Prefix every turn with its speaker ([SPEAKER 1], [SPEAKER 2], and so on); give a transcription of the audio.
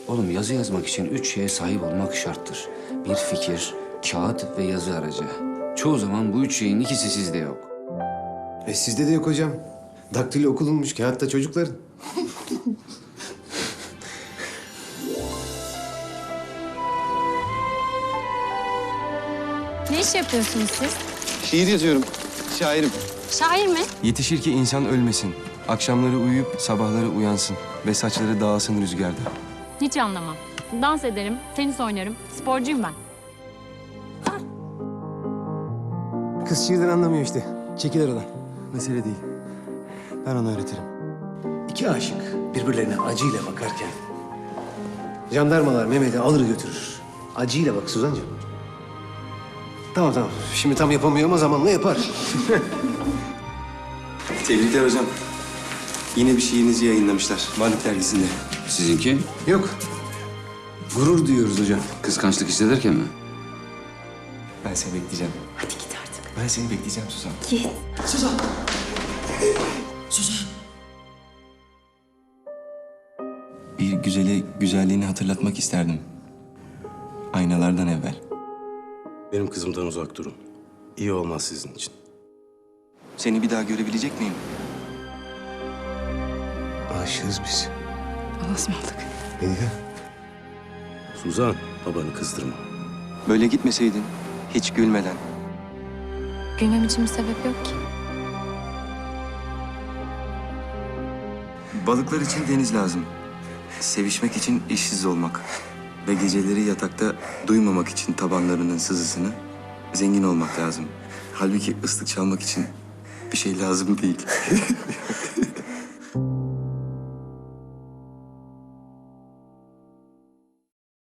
[SPEAKER 1] Oğlum yazı yazmak için 3 şeye sahip olmak şarttır. Bir fikir, kağıt ve yazı aracı. Çoğu zaman bu 3 şeyin ikisi sizde yok.
[SPEAKER 2] Sizde de yok hocam. Daktilo okulunmuş, kağıtta çocukların.
[SPEAKER 3] Ne iş yapıyorsunuz siz?
[SPEAKER 4] Şiir yazıyorum. Şairim.
[SPEAKER 3] Şair mi?
[SPEAKER 5] Yetişir ki insan ölmesin. Akşamları uyuyup sabahları uyansın. Ve saçları dağılsın rüzgarda.
[SPEAKER 3] Hiç anlamam. Dans ederim, tenis oynarım, sporcuyum ben.
[SPEAKER 2] Kız şiirden anlamıyor işte. Çekil aradan.
[SPEAKER 5] Mesele değil. Ben ona öğretirim.
[SPEAKER 2] İki aşık birbirlerine acıyla bakarken... jandarmalar Mehmet'i alır götürür. Acıyla bak Suzancığım. Tamam. Şimdi tam yapamıyor ama zamanla yapar.
[SPEAKER 5] Tebrikler hocam. Yine bir şiirinizi yayınlamışlar. Varlık dergisinde.
[SPEAKER 1] Sizinki
[SPEAKER 2] Yok. Gurur duyuyoruz hocam.
[SPEAKER 1] kıskançlık hissederken mi?
[SPEAKER 5] Ben seni bekleyeceğim.
[SPEAKER 3] Hadi git artık.
[SPEAKER 5] Ben seni bekleyeceğim Suzan.
[SPEAKER 3] Git.
[SPEAKER 5] Bir güzele güzelliğini hatırlatmak isterdim. Aynalardan evvel.
[SPEAKER 6] Benim kızımdan uzak durun. İyi olmaz sizin için.
[SPEAKER 5] Seni bir daha görebilecek miyim?
[SPEAKER 2] Aşığız biz.
[SPEAKER 3] Allah'a ısmarladık.
[SPEAKER 2] Melike.
[SPEAKER 6] Suzan, babanı kızdırma.
[SPEAKER 5] Böyle gitmeseydin, hiç gülmeden.
[SPEAKER 3] Gülmem için bir sebep yok ki.
[SPEAKER 5] Balıklar için deniz lazım. Sevişmek için işsiz olmak. Ve geceleri yatakta duymamak için tabanlarının sızısını zengin olmak lazım. Halbuki ıslık çalmak için bir şey lazım değil.